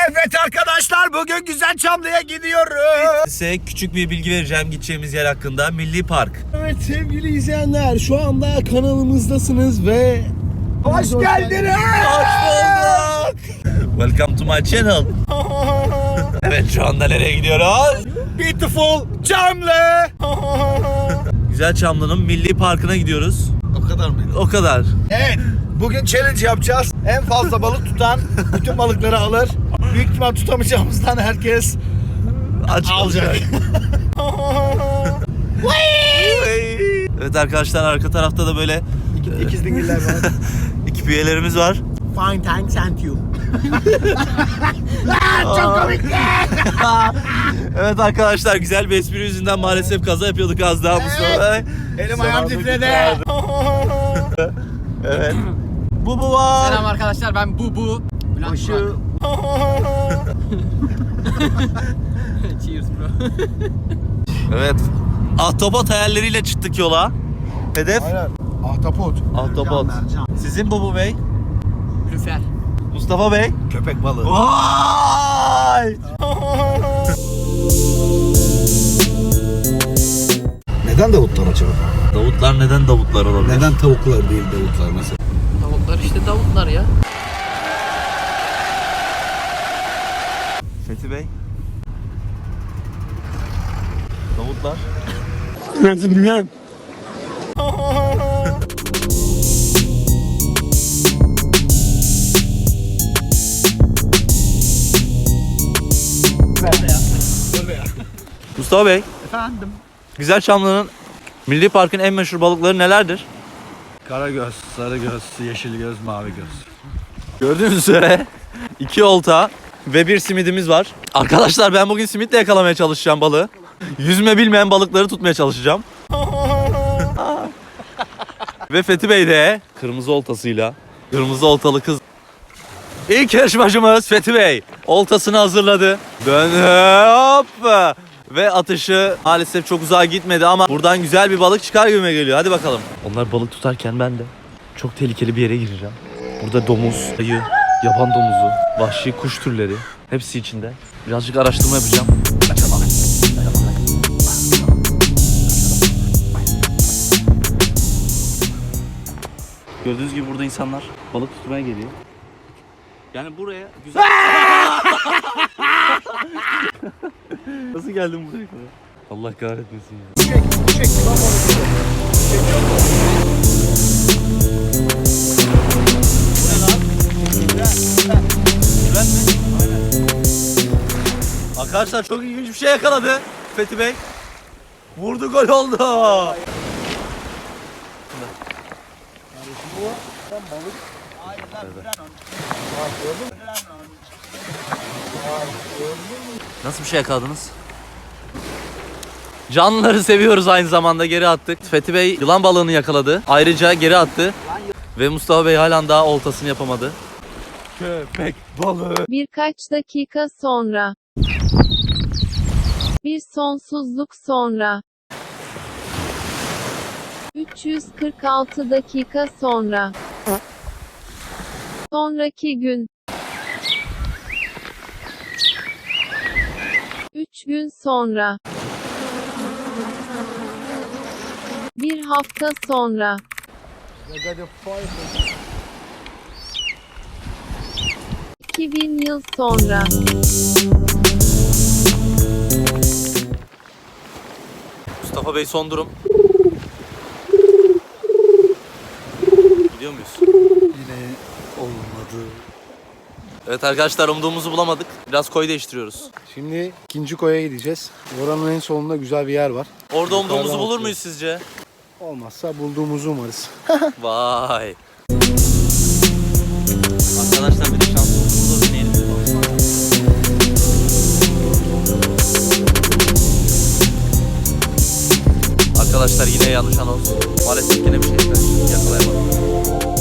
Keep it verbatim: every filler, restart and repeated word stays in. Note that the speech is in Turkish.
Evet arkadaşlar, bugün Güzelçamlı'ya gidiyoruz. Size küçük bir bilgi vereceğim gideceğimiz yer hakkında. Milli Park. Evet sevgili izleyenler, şu anda kanalımızdasınız ve Hoş geldiniz. Hoş bulduk. Welcome to my channel. Evet, şu anda nereye gidiyoruz? Beautiful Çamlı. Güzelçamlı'nın Milli Parkı'na gidiyoruz. O kadar mı? O kadar. Evet, bugün challenge yapacağız. En fazla balık tutan bütün balıkları alır. Büyük ihtimal tutamayacağımızdan herkes Aç alacak. Evet arkadaşlar, arka tarafta da böyle İkiz dingiller var. ekip üyelerimiz var. Fine, thanks and you. Çok komik. Evet arkadaşlar, güzel bir espri yüzünden maalesef kaza yapıyorduk az daha Mustafa. Elim ayağım titredi. Evet. Bu bu var. Selam arkadaşlar, ben bu bu. Bülent Burak. Cheers bro. Evet. Ahtapot hayalleriyle çıktık yola. Hedef Aynen. Ahtapot. ahtapot. Sizin Bubu Bey? Lüfer. Mustafa Bey? Köpek balığı. Vay! neden Davutlar acaba? Davutlar neden Davutlar olabilir? Neden tavuklar değil Davutlar mesela? Davutlar işte Davutlar ya. Fethi Bey? Davutlar? Nasıl bilmem. Mustafa Bey, Efendim. Güzelçamlı'nın Milli Park'ın en meşhur balıkları nelerdir? Karagöz, sarıgöz, yeşil göz, mavi göz. Gördüğünüz üzere iki olta ve bir simidimiz var. Arkadaşlar, ben bugün simitle yakalamaya çalışacağım balığı. Yüzme bilmeyen balıkları tutmaya çalışacağım. Ve Fethi Bey de kırmızı oltasıyla, kırmızı oltalı kız. İlk yarışmacımız Fethi Bey oltasını hazırladı. Dön hop. Ve atışı maalesef çok uzağa gitmedi ama buradan güzel bir balık çıkar gibime geliyor. Hadi bakalım. Onlar balık tutarken ben de çok tehlikeli bir yere gireceğim. Burada domuz, ayı, yaban domuzu, vahşi kuş türleri hepsi içinde. Birazcık araştırma yapacağım. Gördüğünüz gibi burada insanlar balık tutmaya geliyor. Yani buraya güzel... Nasıl geldim buraya kadar? Allah kahretmesin ya. Çek, çek. Lan balık. Çekiyor mu? Güven mi? Aynen. Arkadaşlar, çok ilginç bir şey yakaladı Fethi Bey. Vurdu, gol oldu. Nasıl bir şey yakaladınız? Canlıları seviyoruz, aynı zamanda geri attık. Fethi Bey yılan balığını yakaladı. Ayrıca geri attı. Ve Mustafa Bey halen daha oltasını yapamadı. Köpek balığı. Birkaç dakika sonra. Bir sonsuzluk sonra. üç yüz kırk altı dakika sonra. Sonraki gün. üç gün sonra. Bir hafta sonra. iki bin yıl sonra. Mustafa Bey, son durum. Gidiyor muyuz? Yine olmadı. Evet arkadaşlar, umduğumuzu bulamadık. Biraz koy değiştiriyoruz. Şimdi ikinci koya gideceğiz. Oranın en sonunda güzel bir yer var. Orada umduğumuzu Yukarıdan bulur bakıyor. muyuz sizce? Olmazsa bulduğumuzu umarız. Vay. Arkadaşlar, bir de şansımızı da deneyelim. Arkadaşlar, yine yanlış anons. Maalesef yine bir şey yakalayamadım.